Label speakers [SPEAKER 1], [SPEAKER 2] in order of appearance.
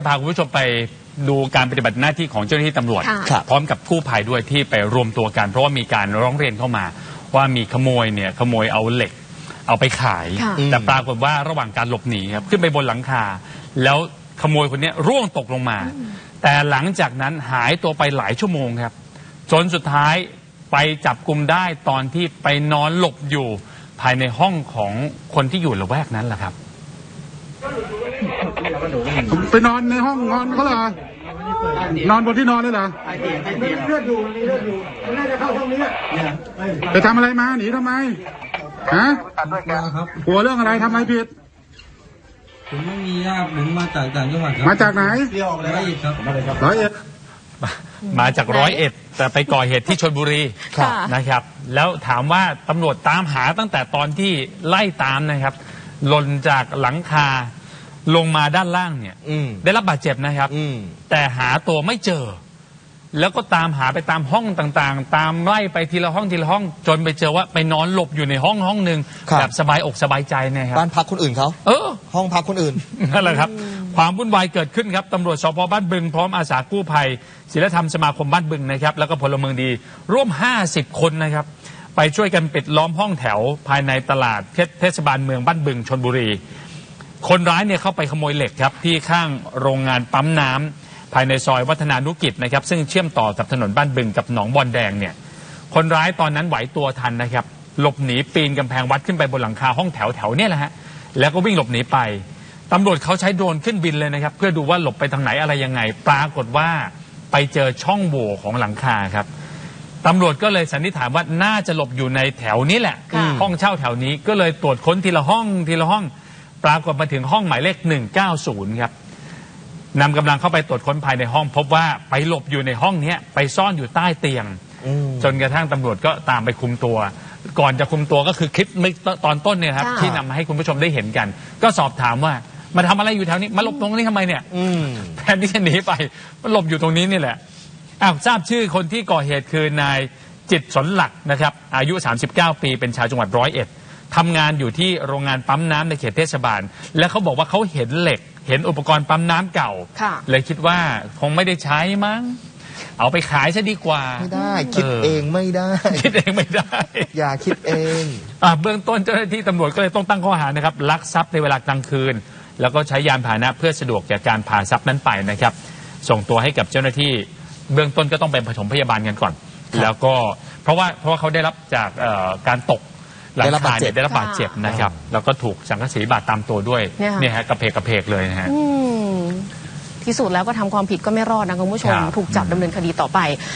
[SPEAKER 1] พาคุณผู้ชมไปดูการปฏิบัติหน้าที่ของเจ้าหน้าที่ตำรวจพร้อมกับกู้ภัยด้วยที่ไปรวมตัวกันเพราะว่ามีการร้องเรียนเข้ามาว่ามีขโมยเอาเหล็กเอาไปขายแต่ปรากฏว่าระหว่างการหลบหนีครับขึ้นไปบนหลังคาแล้วขโมยคนนี้ร่วงตกลงมาแต่หลังจากนั้นหายตัวไปหลายชั่วโมงครับจนสุดท้ายไปจับกุมได้ตอนที่ไปนอนหลบอยู่ภายในห้องของคนที่อยู่ละแวกนั้นแหละครับ
[SPEAKER 2] ไปนอนในห้องนอนเขาเหรอนอนบนที่นอนเลยเหรอ
[SPEAKER 3] มีเลือดอยู่มันน่าจะเข้าห้องนี้
[SPEAKER 2] ไปทำอะไรมาหนีทำไมฮะกลัวเรื่องอะไรทำอะไรผิด
[SPEAKER 4] ผมไม่มีญาติผมมาจากต่างจังหวัดครับ
[SPEAKER 2] มาจากไหน
[SPEAKER 4] 101ครับ
[SPEAKER 2] 101
[SPEAKER 1] มาจาก101แต่ไปก่อเหตุที่ชลบุรีนะครับแล้วถามว่าตำรวจตามหาตั้งแต่ตอนที่ไล่ตามนะครับหล่นจากหลังคาลงมาด้านล่างเนี่ยได้รับบาดเจ็บนะครับแต่หาตัวไม่เจอแล้วก็ตามหาไปตามห้องต่างๆตามไล่ไปทีละห้องจนไปเจอว่าไปนอนหลบอยู่ในห้องหนึ่งแบบสบายอกสบายใจนะครับ
[SPEAKER 5] บ้านพักคนอื่นเขาห้องพักคนอื่น
[SPEAKER 1] นั่นแหละครับความวุ่นวายเกิดขึ้นครับตำรวจสพบ้านบึงพร้อมอาสากู้ภัยศิลธรรมสมาคมบ้านบึงนะครับแล้วก็พลเมืองดีร่วม50 คนนะครับไปช่วยกันปิดล้อมห้องแถวภายในตลาดเทศบาลเมืองบ้านบึงชลบุรีคนร้ายเนี่ยเข้าไปขโมยเหล็กครับที่ข้างโรงงานปั๊มน้ำภายในซอยวัฒนานุกิจนะครับซึ่งเชื่อมต่อกับถนนบ้านบึงกับหนองบอนแดงเนี่ยคนร้ายตอนนั้นไหวตัวทันนะครับหลบหนีปีนกำแพงวัดขึ้นไปบนหลังคาห้องแถวเนี่ยแหละฮะแล้วก็วิ่งหลบหนีไปตำรวจเขาใช้โดรนขึ้นบินเลยนะครับเพื่อดูว่าหลบไปทางไหนอะไรยังไงปรากฏว่าไปเจอช่องโหว่ของหลังคาครับตำรวจก็เลยสันนิษฐานว่าน่าจะหลบอยู่ในแถวนี้แหละห้องเช่าแถวนี้ก็เลยตรวจค้นทีละห้องปรากฏมาถึงห้องหมายเลข190ครับนำกำลังเข้าไปตรวจค้นภายในห้องพบว่าไปหลบอยู่ในห้องนี้ไปซ่อนอยู่ใต้เตียงจนกระทั่งตำรวจก็ตามไปคุมตัวก่อนจะคุมตัวก็คือคลิปตอนต้นเนี่ยครับที่นำมาให้คุณผู้ชมได้เห็นกันก็สอบถามว่ามาทำอะไรอยู่แถวนี้มาหลบตรงนี้ทำไมเนี่ยแทนที่จะหนีไปมันหลบอยู่ตรงนี้นี่แหละทราบชื่อคนที่ก่อเหตุคือนายจิตสนหลักนะครับอายุ39 ปีเป็นชาวจังหวัด101ทำงานอยู่ที่โรงงานปั๊มน้ำในเขตเทศบาลและเขาบอกว่าเขาเห็นเหล็กเห็นอุปกรณ์ปั๊มน้ำเก่าเลยคิดว่าคงไม่ได้ใช้มั้งเอาไปขายซะดีกว่า
[SPEAKER 5] ไม่ได้คิดเองไม่ได้อย่าคิดเอง
[SPEAKER 1] เบื้องต้นเจ้าหน้าที่ตำรวจก็เลยต้องตั้งข้อหานะครับลักทรัพย์ในเวลากลางคืนแล้วก็ใช้ยานพาหนะเพื่อสะดวกแก่การพาทรัพย์นั้นไปนะครับส่งตัวให้กับเจ้าหน้าที่เบื้องต้นก็ต้องเป็นปฐมพยาบาลกันก่อนแล้วก็เพราะว่าเขาได้รับจากการตกหลังคาได้รับบาดเจ็บนะครับแล้วก็ถูกสังกะสีบาดตามตัวด้วยเนี่ยฮะกระเพกเลยนะฮะ
[SPEAKER 6] ที่สุดแล้วก็ทำความผิดก็ไม่รอดนะคุณผู้ชมถูกจับดำเนินคดีต่อไป